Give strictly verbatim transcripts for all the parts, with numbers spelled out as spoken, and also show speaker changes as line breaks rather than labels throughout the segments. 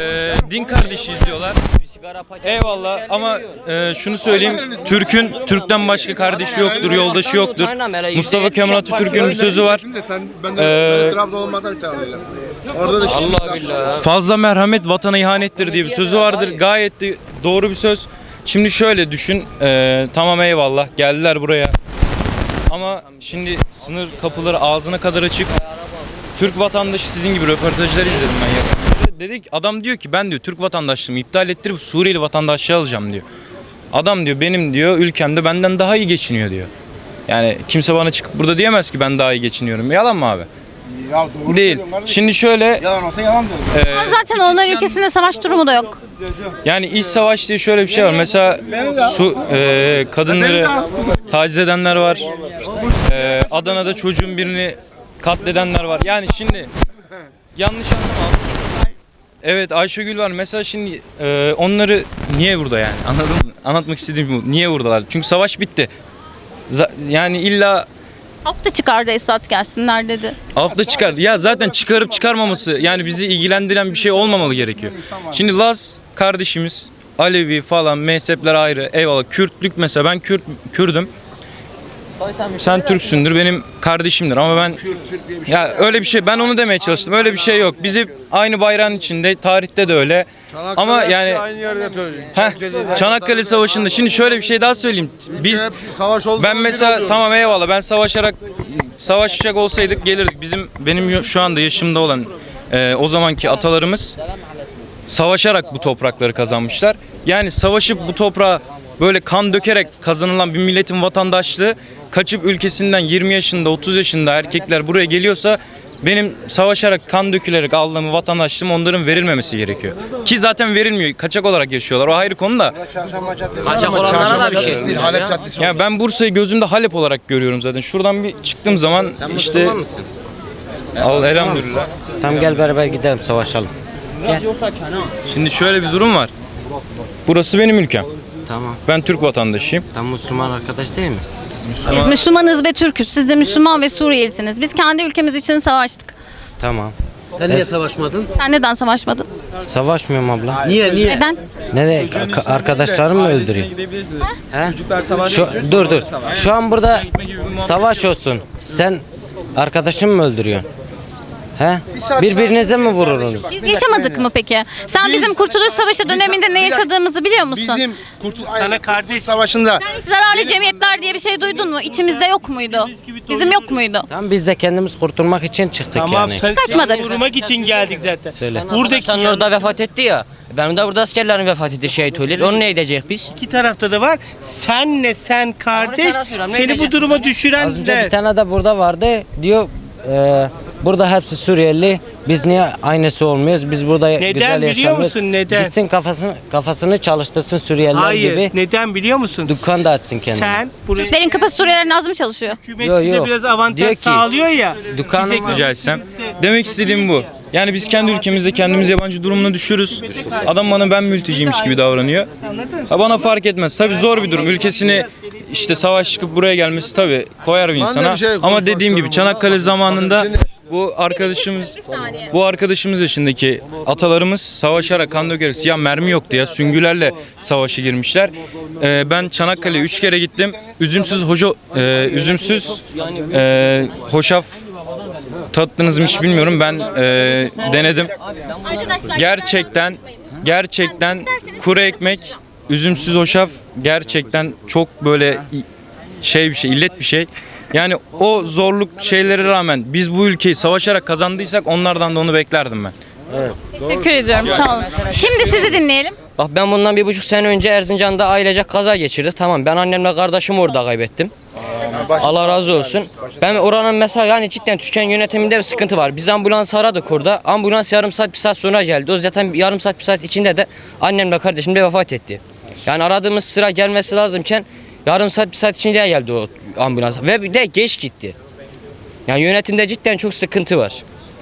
e, din kardeşiyiz diyorlar. Eyvallah ama e, şunu söyleyeyim. Türk'ün Türk'ten başka kardeşi yoktur, yoldaşı yoktur. Mustafa Kemal Atatürk'ün bir sözü var. Ee, Allah billah. Fazla merhamet vatana ihanettir diye bir sözü vardır. Gayet de doğru bir söz. Şimdi şöyle düşün. E, tamam eyvallah geldiler buraya. Ama şimdi sınır kapıları ağzına kadar açık. Türk vatandaşı sizin gibi röportajlar izledim ben yakın. Dedik adam diyor ki ben diyor Türk vatandaşlığımı iptal ettirip Suriyeli vatandaşlığı alacağım diyor. Adam diyor benim diyor ülkemde benden daha iyi geçiniyor diyor. Yani kimse bana çıkıp burada diyemez ki ben daha iyi geçiniyorum. Yalan mı abi?
Ya doğru
değil. Şimdi şöyle
yalan olsa yalan diyorum.
E,
Ama zaten onların ülkesinde savaş durumu da yok.
yani iç savaş diye şöyle bir şey var. Mesela su e, kadınları taciz edenler var. E, Adana'da çocuğun birini katledenler var. Yani şimdi yanlış anlama. Evet Ayşegül var. Mesela şimdi e, onları niye burada yani? Anladın mı? Anlatmak istediğim bu. Niye buradalar? Çünkü savaş bitti. Z- yani illa
Hafta çıkardı Esat gelsinler dedi.
hafta çıkardı. Ya zaten çıkarıp çıkarmaması yani bizi ilgilendiren bir şey olmamalı gerekiyor. Şimdi Laz kardeşimiz, Alevi falan mezhepler ayrı. Eyvallah. Kürtlük mesela ben Kürt Kürdüm. Sen Türksündür, benim kardeşimdir ama ben ya öyle bir şey ben onu demeye çalıştım. Öyle bir şey yok. Biz hep aynı bayrağın içinde, tarihte de öyle.
Çanakkale
Ama yani
aynı yerde
heh, Çanakkale Savaşı'nda şimdi şöyle bir şey daha söyleyeyim. Biz
savaş oldu.
ben mesela tamam eyvallah ben savaşarak savaşacak olsaydık gelirdik. Bizim benim şu anda yaşımda olan e, o zamanki atalarımız savaşarak bu toprakları kazanmışlar. Yani savaşıp bu toprağa böyle kan dökerek kazanılan bir milletin vatandaşlığı kaçıp ülkesinden yirmi yaşında otuz yaşında erkekler buraya geliyorsa benim savaşarak kan dökülerek aldığım vatandaşlığım onların verilmemesi gerekiyor. Ki zaten verilmiyor. Kaçak olarak yaşıyorlar. O ayrı konu da.
Kaçak olanlara da bir şey.
Ya ben Bursa'yı gözümde Halep olarak görüyorum zaten. Şuradan bir çıktığım zaman işte al elhamdülillah.
Tamam gel beraber gidelim savaşalım.
Şimdi şöyle bir durum var. Burası benim ülkem.
Tamam.
Ben Türk vatandaşıyım.
Tam Müslüman arkadaş değil mi?
Biz Müslümanız ve Türk'üz. Siz de Müslüman ve Suriyelisiniz. Biz kendi ülkemiz için savaştık.
Tamam.
Sen niye savaşmadın?
Sen neden savaşmadın?
Savaşmıyorum abla.
Niye niye?
Neden?
Ne de ka- arkadaşlarım mı öldürüyor? He? Şu, dur dur. Şu an burada savaş olsun. Sen arkadaşın mı öldürüyorsun? He? Birbirinize mi vurursunuz?
Biz yaşamadık mı peki? Sen bizim Kurtuluş Savaşı döneminde ne yaşadığımızı biliyor musun?
Bizim Kurtul
Sana kardeş
Savaşı'nda
Sen hiç zararlı cemiyetler diye bir şey duydun mu? İçimizde yok muydu? Bizim yok muydu?
Tamam biz de kendimiz kurtulmak için çıktık
tamam
yani.
sen
Kaçmadık.
korumak için geldik zaten.
Söyle.
Buradaki sen orada vefat etti ya. Benim de burada askerlerin vefat etti şehit oluyor. Onu ne edecek biz?
İki tarafta da var. Senle sen kardeş
sana soruyorum, ne
seni bu
edecek?
duruma
Az önce
düşürenler.
bir tane de burada vardı. Diyor e, burada hepsi Suriyeli. Biz niye aynısı olmuyoruz? Biz burada
Neden
güzel
biliyor
yaşamıyoruz.
musun, neden?
Gitsin kafasını kafasını çalıştırsın Suriyeliler
Hayır.
gibi.
Neden biliyor musun?
Dükkan da açsın kendine.
Sen buraya
Derin kapı Suriyelilerin az mı çalışıyor?
hükümet
Yo,
size
yo.
biraz avantaj
Diyor ki,
sağlıyor ya.
dükkanım
bize-
var.
Rica etsem. Demek istediğim bu. Yani biz kendi ülkemizde kendimiz yabancı durumuna düşürüz. Adam bana ben mülteciymiş gibi davranıyor. Ha bana fark etmez. Tabii zor bir durum. Ülkesini işte savaş çıkıp buraya gelmesi tabii koyar bir insana.
bir şey
Ama
konuşmak
dediğim gibi
istiyorum.
Çanakkale zamanında bu arkadaşımız bu arkadaşımız yaşındaki atalarımız savaşarak kan dökerek ya mermi yoktu ya süngülerle savaşa girmişler. Ee, ben Çanakkale'ye üç kere gittim. Üzümsüz hoca e, üzümsüz e, hoşaf tattınız mı hiç bilmiyorum. Ben e, denedim. Gerçekten gerçekten kuru ekmek, üzümsüz hoşaf gerçekten çok böyle şey bir şey, illet bir şey. Yani o zorluk şeylere rağmen biz bu ülkeyi savaşarak kazandıysak onlardan da onu beklerdim ben.
Teşekkür ediyorum. Sağ olun. Şimdi sizi dinleyelim.
Bak ben bundan bir buçuk sene önce Erzincan'da ailecek kaza geçirdik. Tamam ben annemle kardeşimi orada kaybettim. Allah razı olsun. Ben oranın mesela yani cidden Türkiye yönetiminde bir sıkıntı var. Biz ambulans aradık orada. Ambulans yarım saat bir saat sonra geldi. O zaten yarım saat bir saat içinde de annemle kardeşim de vefat etti. Yani aradığımız sıra gelmesi lazımken yarım saat bir saat içinde geldi o ambulans. Ve bir de geç gitti. Yani yönetimde cidden çok sıkıntı var.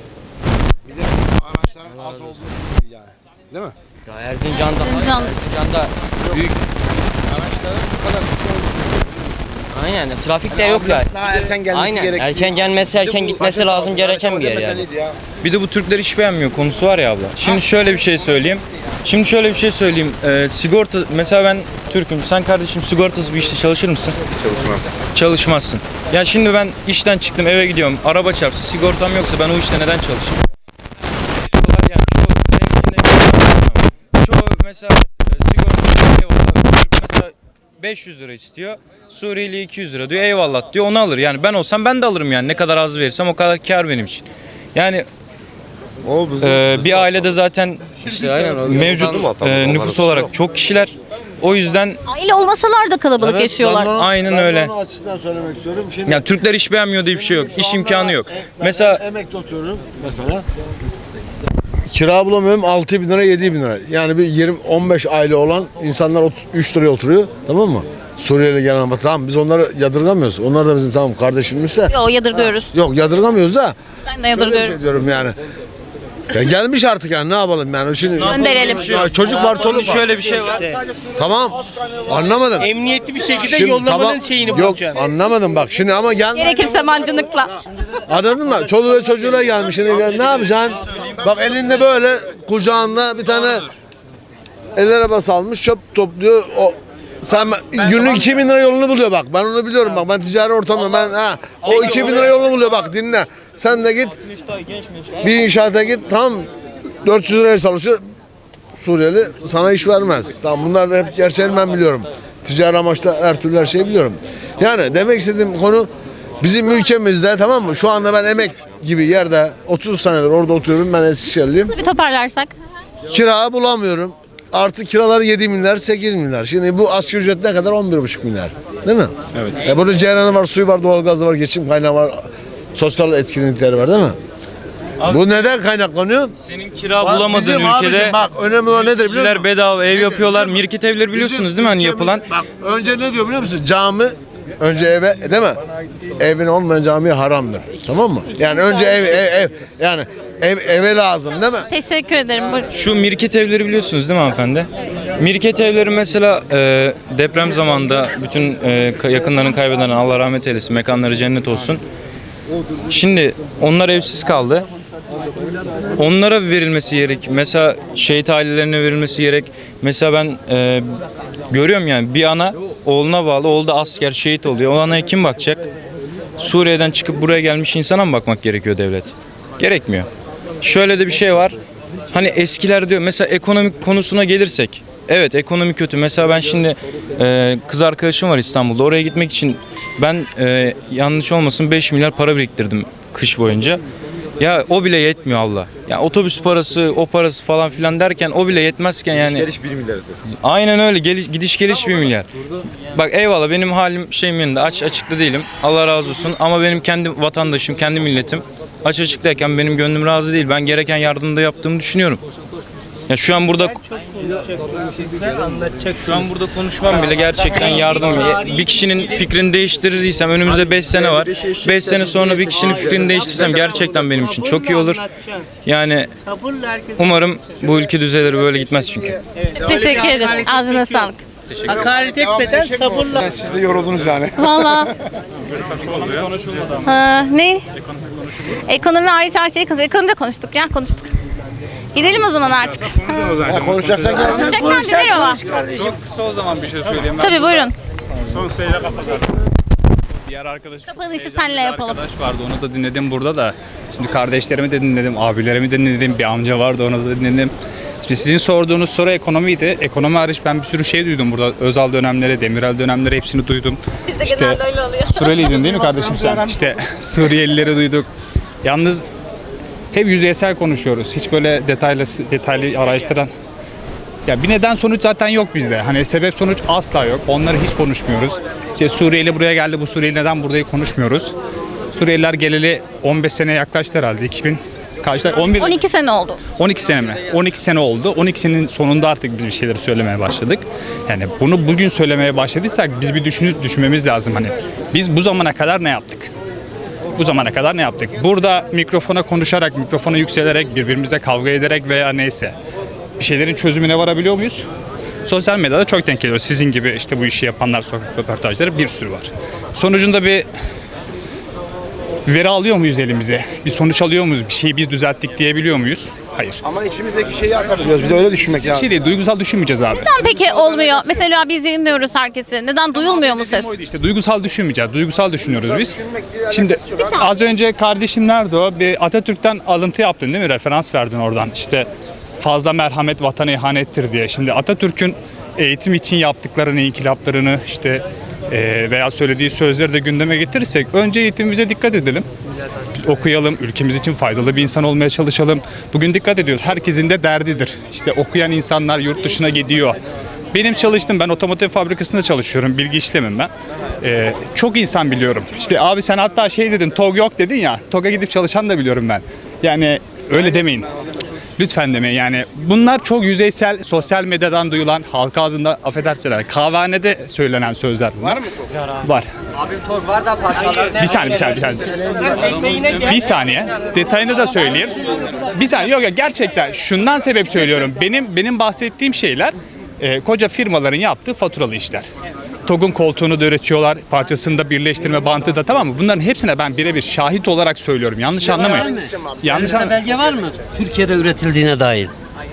araçların az olduğu yani. Değil mi?
Ya Erzincan'da,
Erzincan.
Erzincan'da büyük Aynen trafik de yok yani.
Daha erken gelmesi
Aynen
gerekiyor.
erken gelmesi erken gitmesi lazım gereken bir yer yani.
Bir de bu Türkler iş beğenmiyor konusu var ya abla. Şimdi şöyle bir şey söyleyeyim. Şimdi şöyle bir şey söyleyeyim. Ee, sigorta mesela ben Türk'üm. Sen kardeşim sigortasız bir işte çalışır mısın?
Çalışmam.
Çalışmazsın. Ya şimdi ben işten çıktım eve gidiyorum. Araba çarpsın. Sigortam yoksa ben o işte neden çalışayım? Yani çoğu zengin çoğu mesela e, sigorta eyvallah. Türk mesela beş yüz lira istiyor. Suriyeli iki yüz lira diyor. Eyvallah diyor. Onu alır. Yani ben olsam ben de alırım yani. Ne kadar az verirsem o kadar kar benim için. Yani
O bizim,
e,
bizim
bir ailede zaten
işte aynen o
mevcut
bizim vatandaş,
e,
onların
nüfus
suçu
olarak
yok.
çok kişiler. O yüzden
Aile olmasalar da kalabalık yaşıyorlar.
Ben de onu-
Aynen
ben de
öyle.
onu açısından söylemek istiyorum. Şimdi
yani Türkler iş beğenmiyor diye bir şey yok.
şu
İş
anda
imkanı yok.
ben
Mesela
emekli oturuyorum mesela. Kira bulamıyorum altı bin lira yedi bin lira. Yani bir yirmi on beş aile olan insanlar otuz üç liraya oturuyor. Tamam mı? Suriyeli gelen ama tamam biz onları yadırgamıyoruz. Onlar da bizim tamam kardeşimizse.
Yo yadırgıyoruz.
Yok yadırgamıyoruz da.
Ben de
Şöyle bir
yadırgıyorum.
şey diyorum yani. Ya gelmiş artık yani ne yapalım yani şimdi.
Gönderelim.
Ya çocuk var çoluk var.
şöyle bir şey var.
Tamam. Anlamadım.
Emniyetli bir şekilde
Şimdi
yollamanın
tamam.
şeyini
Yok
bulacaksın.
anlamadım bak şimdi ama gel.
Gerekirse mancınıkla.
Anladın mı? Çoluğu ve çocuğuyla gelmiş. Şimdi ne yapacaksın? Bak elinde böyle kucağında bir tane el arabası almış çöp topluyor. O sen günlük iki bin lira yolunu buluyor bak. Ben onu biliyorum bak. Ben ticari ortamda ben ha o iki bin lira yolunu buluyor bak dinle. Sen de git bir inşaata git tam dört yüz liraya çalışır. Suriyeli sana iş vermez. Tamam bunlar hep gerçeğini ben biliyorum. Ticari amaçta her türlü her şeyi biliyorum. Yani demek istediğim konu bizim ülkemizde tamam mı? Şu anda ben emek gibi yerde otuz senedir orada oturuyorum. Ben Eskişehirliyim.
Bir toparlarsak.
Kira bulamıyorum. Artı kiralar yedi milyar sekiz milyar. Şimdi bu asgari ücret ne kadar? on bir buçuk milyar. Değil mi? Evet. E burada ceyranı var, suyu var, doğalgazı var, geçim kaynağı var. Sosyal etkinlikleri var değil mi? Bu neden kaynaklanıyor?
Senin kira
Bak,
bulamadığın
bizim
ülkede
abicim bak önemli olan nedir biliyor musun?
kişiler bedava ev
Nedir?
yapıyorlar.
Nedir?
Mirket evleri biliyorsunuz
Bizim
değil mi hani
ülkemiz-
yapılan?
Bak önce ne diyor biliyor musun? Cami önce eve değil mi? Evin olmayan camiye haramdır. Tamam mı? Yani önce ev ev, ev yani ev eve lazım değil mi?
Teşekkür ederim. Buyurun.
Şu mirket evleri biliyorsunuz değil mi hanımefendi? Mirket evleri mesela e, deprem zamanında bütün e, ka- yakınlarını kaybeden Allah rahmet eylesin, mekanları cennet olsun. Şimdi onlar evsiz kaldı. Onlara verilmesi gerek. Mesela şehit ailelerine verilmesi gerek. Mesela ben e, görüyorum yani bir ana oğluna bağlı, oğlu da asker şehit oluyor. O anaya kim bakacak? Suriye'den çıkıp buraya gelmiş insana mı bakmak gerekiyor devlet? Gerekmiyor. Şöyle de bir şey var. Hani eskiler diyor mesela ekonomik konusuna gelirsek. Evet ekonomi kötü. Mesela ben şimdi e, kız arkadaşım var İstanbul'da. Oraya gitmek için ben e, yanlış olmasın beş milyar para biriktirdim kış boyunca. Ya o bile yetmiyor Allah. Ya otobüs parası, o parası falan filan derken o bile yetmezken yani.
Geliş bir milyar.
Aynen öyle. Geliş, gidiş geliş bir milyar. Bak eyvallah benim halim şeyim yanında aç açıkta değilim. Allah razı olsun ama benim kendi vatandaşım, kendi milletim aç açıktayken benim gönlüm razı değil. Ben gereken yardımı da yaptığımı düşünüyorum. Ya şu an burada şu an burada konuşmam bile gerçekten yardım. Bir kişinin fikrini değiştirdiysem önümüzde beş sene var. beş sene sonra bir kişinin fikrini değiştirsem gerçekten benim için çok iyi olur. Yani
Sabırla herkes.
umarım bu ülke düzelir böyle gitmez çünkü.
Teşekkür ederim. Ağzına sağlık.
Hakaret etmeden sabırla.
Siz de yoruldunuz yani.
Valla. Ha, ne? Ekonomi hariç her şeyi konuştuk. Ekonomide konuştuk ya konuştuk. Gidelim o zaman artık.
Ya konuşacaksak gel.
Konuşacaksan gidelim ama.
Kısa o zaman bir şey söyleyeyim.
Tabii buyurun.
Son sayıda kapatalım. Diğer arkadaş çok
Kapanışı
heyecanlı
senle
bir
yapalım.
arkadaş vardı onu da dinledim burada da. Şimdi kardeşlerimi de dinledim, abilerimi de dinledim, bir amca vardı onu da dinledim. Şimdi sizin sorduğunuz soru ekonomiydi. Ekonomi hariç ben bir sürü şey duydum burada. Özal dönemleri, Demirel dönemleri hepsini duydum.
Bizde
İşte
genelde öyle oluyor.
Suriyeliydin değil mi kardeşim sen? İşte Suriyelileri duyduk. Yalnız hep yüzeysel konuşuyoruz. Hiç böyle detaylı detaylı araştıran. Ya bir neden sonuç zaten yok bizde. Hani sebep sonuç asla yok. Onları hiç konuşmuyoruz. İşte Suriyeli buraya geldi. Bu Suriyeli neden buradayı konuşmuyoruz. Suriyeliler geleli on beş sene yaklaştı herhalde. iki bin kaçta? on bir
on iki sene oldu.
on iki sene mi? on iki sene oldu. on iki senenin sonunda artık biz bir şeyleri söylemeye başladık. Yani bunu bugün söylemeye başladıysak biz bir düşünüp düşünmemiz lazım hani. Biz bu zamana kadar ne yaptık? Bu zamana kadar ne yaptık? Burada mikrofona konuşarak, mikrofona yükselerek, birbirimizle kavga ederek veya neyse bir şeylerin çözümüne varabiliyor muyuz? Sosyal medyada çok denk geliyor. Sizin gibi işte bu işi yapanlar, sokak röportajları bir sürü var. sonucunda bir veri alıyor muyuz elimize? Bir sonuç alıyor muyuz? Bir şeyi biz düzelttik diyebiliyor muyuz? Hayır.
Ama içimizdeki şeyi atabiliyoruz. Bir de öyle düşünmek
Bir
lazım.
şey değil, duygusal düşünmeyeceğiz abi.
Neden peki olmuyor? Mesela biz yayınlıyoruz herkesi. Neden duyulmuyor mu ses?
Oydu işte, duygusal düşünmeyeceğiz. Duygusal düşünüyoruz biz. Şimdi az önce kardeşim nerede o? Bir Atatürk'ten alıntı yaptın değil mi? Referans verdin oradan. İşte fazla merhamet vatana ihanettir diye. Şimdi Atatürk'ün eğitim için yaptıklarını, inkılaplarını işte e, veya söylediği sözleri de gündeme getirirsek önce eğitimimize dikkat edelim. Okuyalım, ülkemiz için faydalı bir insan olmaya çalışalım. Bugün dikkat ediyoruz. Herkesin de derdidir. İşte okuyan insanlar yurt dışına gidiyor. Benim çalıştım, ben otomotiv fabrikasında çalışıyorum. Bilgi işlemim ben. Ee, çok insan biliyorum. İşte abi sen hatta şey dedin, TOG yok dedin ya. TOG'a gidip çalışan da biliyorum ben. Yani öyle demeyin. Lütfen demeyin yani. Bunlar çok yüzeysel, sosyal medyadan duyulan, halk ağzında affedersiniz, kahvehanede söylenen sözler bunlar. Var mı? Var.
Abim toz var da parçalar.
Bir saniye, bir saniye, bir saniye. Bir saniye. Detayını da söyleyeyim. Bir saniye. Yok yok, gerçekten şundan sebep söylüyorum. Benim benim bahsettiğim şeyler e, koca firmaların yaptığı faturalı işler. TOG'un koltuğunu da üretiyorlar, parçasını da birleştirme bantı da, tamam mı? Bunların hepsine ben birebir şahit olarak söylüyorum. Yanlış anlamayın. Yanlış anlamayın.
Belge var mı? Türkiye'de üretildiğine dair.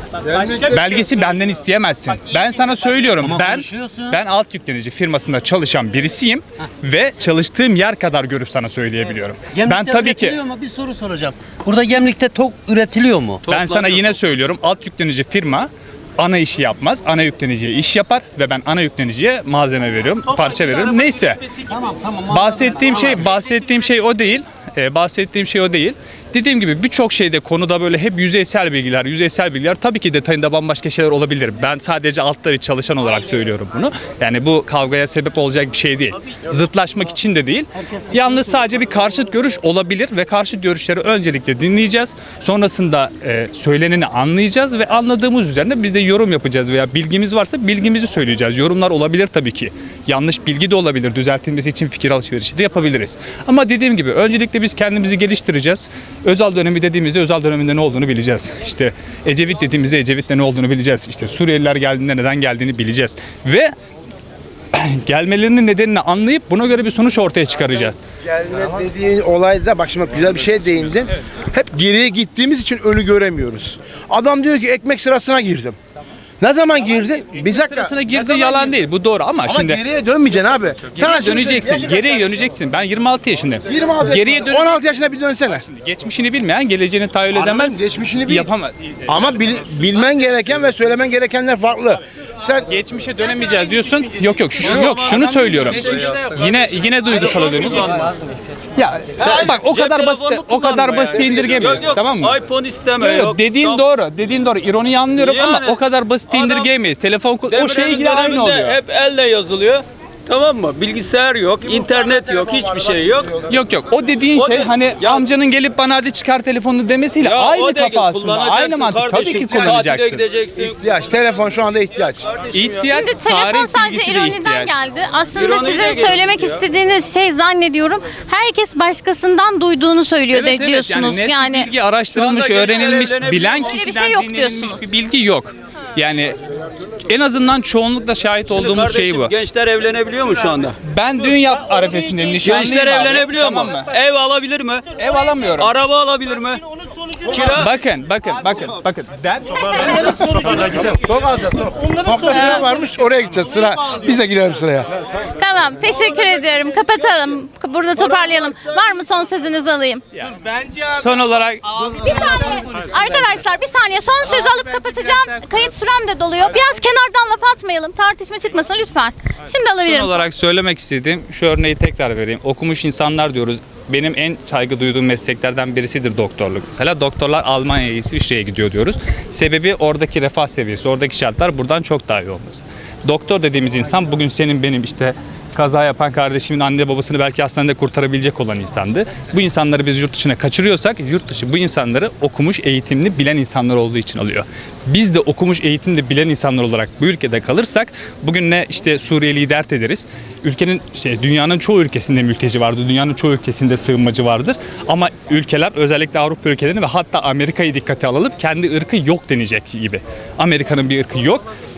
Belgesi benden isteyemezsin. Ben sana söylüyorum.
Ama
Ben
konuşuyorsun.
ben alt yüklenici firmasında çalışan birisiyim ve çalıştığım yer kadar görüp sana söyleyebiliyorum.
Gemlikte
Ben tabii ki
üretiliyor mu? Bir soru soracağım. Burada Gemlik'te TOG üretiliyor mu?
ben sana yine söylüyorum. Alt yüklenici firma ana işi yapmaz. Ana yükleniciye iş yapar ve ben ana yükleniciye malzeme veriyorum, parça veriyorum. Neyse.
Tamam tamam.
Bahsettiğim şey bahsettiğim şey o değil. Ee, bahsettiğim şey o değil. Dediğim gibi birçok şeyde konuda böyle hep yüzeysel bilgiler, yüzeysel bilgiler, tabii ki detayında bambaşka şeyler olabilir. Ben sadece altta bir çalışan olarak söylüyorum bunu. Yani bu kavgaya sebep olacak bir şey değil. Zıtlaşmak için de değil. Yalnız sadece bir karşıt görüş olabilir ve karşıt görüşleri öncelikle dinleyeceğiz. Sonrasında e, söyleneni anlayacağız ve anladığımız üzerine biz de yorum yapacağız veya bilgimiz varsa bilgimizi söyleyeceğiz. Yorumlar olabilir tabii ki. Yanlış bilgi de olabilir. Düzeltilmesi için fikir alışverişi de yapabiliriz. Ama dediğim gibi öncelikle biz kendimizi geliştireceğiz. Özal dönemi dediğimizde Özal döneminde ne olduğunu bileceğiz. İşte Ecevit dediğimizde Ecevit'te ne olduğunu bileceğiz. İşte Suriyeliler geldiğinde neden geldiğini bileceğiz. Ve gelmelerinin nedenini anlayıp buna göre bir sonuç ortaya çıkaracağız.
Gelme dediğin olayda bak şimdi güzel bir şey değindin. Hep geriye gittiğimiz için önü göremiyoruz. Adam diyor ki ekmek sırasına girdim. Ne zaman girdin? Bir dakika.
Sırasına
Ne
girdi
zaman
yalan
girdin?
değil. Bu doğru ama,
Ama
şimdi
geriye dönmeyeceksin abi.
geriye
şimdi
döneceksin.
yaşın kaç?
Geriye döneceksin. Ben yirmi altı yaşındayım.
yirmi altı
Geriye
yaşında.
dön.
on altı yaşına bir dönsene.
Geçmişini bilmeyen geleceğini tahayyül edemez.
Anladım, geçmişini bil.
Yapamaz.
Ama bil- bilmen gereken ve söylemen gerekenler farklı. Sen
Geçmişe dönemeyeceğiz diyorsun. Yok yok şu yok şunu söylüyorum. Yine yine duygusala dönüyorum. Ya bak o kadar basit o kadar basit indirgemeyiz, tamam mı?
iPhone isteme
Yok, yok, dediğin doğru. Dediğin doğru. İroniyi anlıyorum ama
Yani
o kadar basit indirgemeyiz. Telefon o şey
Depremin
gibi aynı
döneminde
oluyor.
hep elle yazılıyor. Tamam mı? Bilgisayar yok, internet yok, hiçbir şey yok.
Yok yok. O dediğin
O
şey
de-
hani
Ya-
amcanın gelip bana hadi çıkar telefonunu demesiyle
Ya
aynı
o değil,
kafa aslında.
kullanacaksın
Aynı mantık. Tabii
kardeşim.
ki
Tatile
kullanacaksın.
gideceksin.
ihtiyaç. Telefon şu anda ihtiyaç.
İhtiyaç,
Şimdi telefon
tarih
sadece
bilgisi de
ironiden
ihtiyaç.
geldi. Aslında
İroniyle
sizin
gelişti
söylemek
ya.
istediğiniz şey zannediyorum herkes başkasından duyduğunu söylüyor
Evet,
de,
evet.
diyorsunuz.
Yani net bir
Yani
bilgi araştırılmış,
Şu anda
öğrenilmiş,
gençler
bilen
evlenebiliyor.
kişiden
Öyle bir şey yok
dinlenilmiş
diyorsunuz.
bir bilgi yok. Yani en azından çoğunlukla şahit
Şimdi
olduğumuz şey
kardeşim,
bu.
Gençler evlenebiliyor mu şu anda?
Ben dünya arefesinde nişanlıyım
Gençler
abi.
evlenebiliyor
Tamam
mu?
mı?
Ev alabilir mi?
Ev alamıyorum.
Araba alabilir mi? Kira.
Bakın, bakın, bakın, bakın. Der,
Tok alacağız tok. Nokta sıra varmış oraya gideceğiz sıra. Biz de girelim sıraya.
tamam teşekkür ediyorum. Kapatalım. Burada toparlayalım. Var mı son sözünüzü alayım?
son olarak
Bir saniye. Arkadaşlar bir saniye son sözü alıp kapatacağım. Kayıt sürem de doluyor. Biraz kenardan laf atmayalım. Tartışma çıkmasın lütfen. Şimdi
son
alabilirim.
olarak söylemek istediğim şu örneği tekrar vereyim. Okumuş insanlar diyoruz. Benim en saygı duyduğum mesleklerden birisidir doktorluk. Mesela doktorlar Almanya'ya, İsviçre'ye gidiyor diyoruz. Sebebi oradaki refah seviyesi, oradaki şartlar buradan çok daha iyi olması. Doktor dediğimiz insan bugün senin benim işte kaza yapan kardeşimin anne babasını belki hastanede kurtarabilecek olan insandı. Bu insanları biz yurt dışına kaçırıyorsak yurt dışı bu insanları okumuş, eğitimli, bilen insanlar olduğu için alıyor. Biz de okumuş, eğitimli, bilen insanlar olarak bu ülkede kalırsak bugün ne işte Suriyeli'yi dert ederiz. Ülkenin şey dünyanın çoğu ülkesinde mülteci vardır. Dünyanın çoğu ülkesinde sığınmacı vardır. Ama ülkeler özellikle Avrupa ülkelerini ve hatta Amerika'yı dikkate alalım. Kendi ırkı yok denecek gibi. Amerika'nın bir ırkı yok.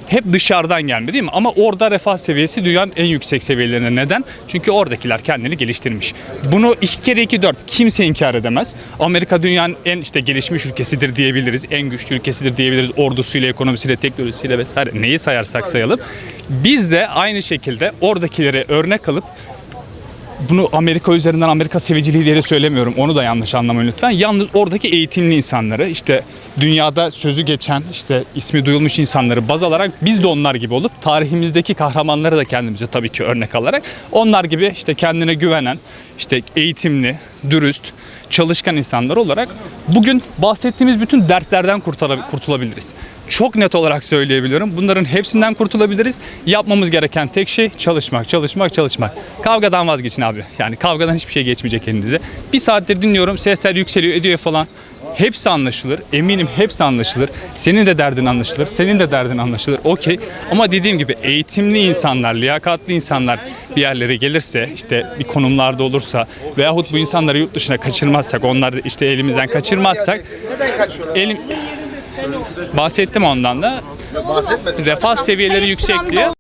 hep dışarıdan gelme değil mi? Ama orada refah seviyesi dünyanın en yüksek seviyelerine. Neden? Çünkü oradakiler kendini geliştirmiş. Bunu iki kere iki dört kimse inkar edemez. Amerika dünyanın en işte gelişmiş ülkesidir diyebiliriz. En güçlü ülkesidir diyebiliriz. Ordusuyla, ekonomisiyle, teknolojisiyle vesaire neyi sayarsak sayalım. Biz de aynı şekilde oradakilere örnek alıp bunu Amerika üzerinden Amerika seviciliği diye de söylemiyorum. Onu da yanlış anlamayın lütfen. Yalnız oradaki eğitimli insanları işte dünyada sözü geçen işte ismi duyulmuş insanları baz alarak biz de onlar gibi olup tarihimizdeki kahramanları da kendimize tabii ki örnek alarak onlar gibi işte kendine güvenen işte eğitimli, dürüst, çalışkan insanlar olarak bugün bahsettiğimiz bütün dertlerden kurtulabiliriz. Çok net olarak söyleyebiliyorum. Bunların hepsinden kurtulabiliriz. Yapmamız gereken tek şey çalışmak, çalışmak, çalışmak. Kavgadan vazgeçin abi. Yani kavgadan hiçbir şey geçmeyecek elinize. Bir saattir dinliyorum. Sesler yükseliyor, ediyor falan. Hepsi anlaşılır. Eminim hepsi anlaşılır. Senin de derdin anlaşılır. Senin de derdin anlaşılır. Okey. Ama dediğim gibi eğitimli insanlar, liyakatli insanlar bir yerlere gelirse, işte bir konumlarda olursa veyahut bu insanları yurt dışına kaçırmazsak, onları işte elimizden kaçırmazsak elim bahsettim ondan da. Refah seviyeleri yüksek diye.